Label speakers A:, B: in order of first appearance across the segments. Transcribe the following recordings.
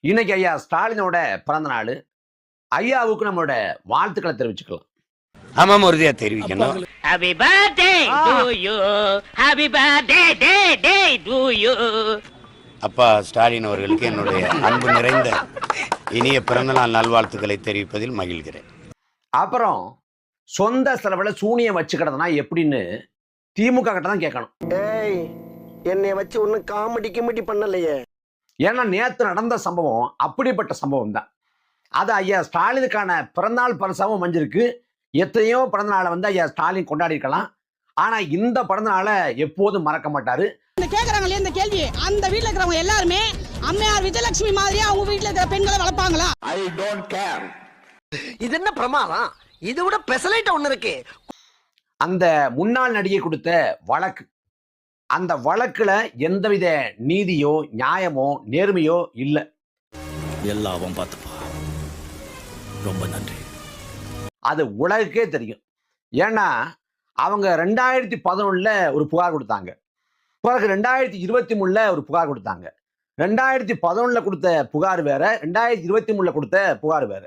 A: இன்னைக்கு ஐயா ஸ்டாலினோட பிறந்த நாள். ஐயாவுக்கு நம்மளோட வாழ்த்துக்களை தெரிவிச்சுக்கலாம்.
B: ஆமாம், உறுதியா தெரிவிக்கணும்.
C: Happy birthday to you. Happy birthday to you.
B: அப்பா ஸ்டாலின் அவர்களுக்கு என்னுடைய அன்பு நிறைந்த இனிய பிறந்தநாள் நல்வாழ்த்துக்களை தெரிவிப்பதில் மகிழ்கிறேன்.
A: அப்புறம் சொந்த செலவுல சூனியம் வச்சுக்கிறதுனா எப்படின்னு திமுக கிட்ட தான் கேட்கணும்.
D: ஏய், என்னை வச்சு ஒன்னும் காமெடி கிமெடி பண்ணலையே.
A: ஏன்னா நேத்து நடந்த சம்பவம் அப்படிப்பட்ட சம்பவம் தான். அது ஐயா ஸ்டாலினுக்கான பிறந்தநாள் பரிசாவும் அமைஞ்சிருக்கு. எத்தனையோ பிறந்தநாளை ஐயா ஸ்டாலின் கொண்டாடி இருக்கலாம். ஆனா இந்த பிறந்தநாளை எப்போதும் மறக்க மாட்டாரு.
E: கேக்குறாங்களே இந்த கேள்வி, அந்த வீட்டுல இருக்கிறவங்க எல்லாருமே அம்மையார் விஜயலட்சுமி மாதிரியா அவங்க வீட்டுல இருக்கிற பெண்களை வளர்ப்பாங்களா?
D: I don't care. இது என்ன பிரமாதம்? இது விட பெசலைட் ஒண்ணு இருக்கு.
A: அந்த முன்னாள் நடிகை கொடுத்த வழக்கு, அந்த வழக்குல எந்தவித நீதியோ நியாயமோ நேர்மையோ இல்லை.
F: எல்லாம் பார்த்துப்பா. ரொம்ப நன்றி.
A: அது உலகுக்கே தெரியும். ஏன்னா அவங்க 2011 ஒரு புகார் கொடுத்தாங்க. பிறகு 2023 ஒரு புகார் கொடுத்தாங்க. 2011 கொடுத்த புகார் வேற, 2023 கொடுத்த புகார் வேற.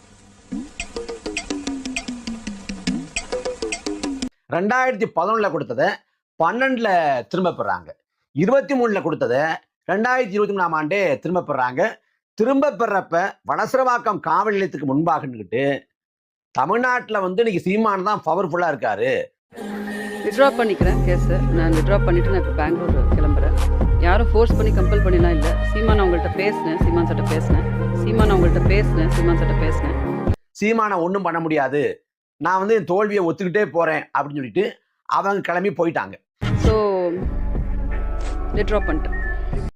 A: 2011 கொடுத்ததை 12 திரும்ப பெறாங்க. 23 கொடுத்ததை 2023 ஆண்டே திரும்ப பெறாங்க. திரும்ப பெறப்ப வளசரவாக்கம் காவல் நிலையத்துக்கு முன்பாக நின்றுட்டு தமிழ்நாட்டில் இன்னைக்கு சீமான் தான் பவர்ஃபுல்லா இருக்காரு.
G: வித்ட்ரா பண்ணிக்கிறேன் கேஸ். நான் வித்ட்ரா பண்ணிட்டு நான் இப்போ பெங்களூர் கிளம்புறேன். யாரும் ஃபோர்ஸ் பண்ணி கம்பல் பண்ணிலாம் இல்லை. சீமான் அவங்கள்ட்ட பேசினேன், சீமான் சட்ட பேசினேன்.
A: சீமானை ஒன்றும் பண்ண முடியாது, நான் என் தோல்வியை ஒத்துக்கிட்டே போறேன் அப்படின்னு சொல்லிட்டு அவங்க கிளம்பி போயிட்டாங்க.
G: ஸோ வித்ட்ரா பண்ணிட்டேன்.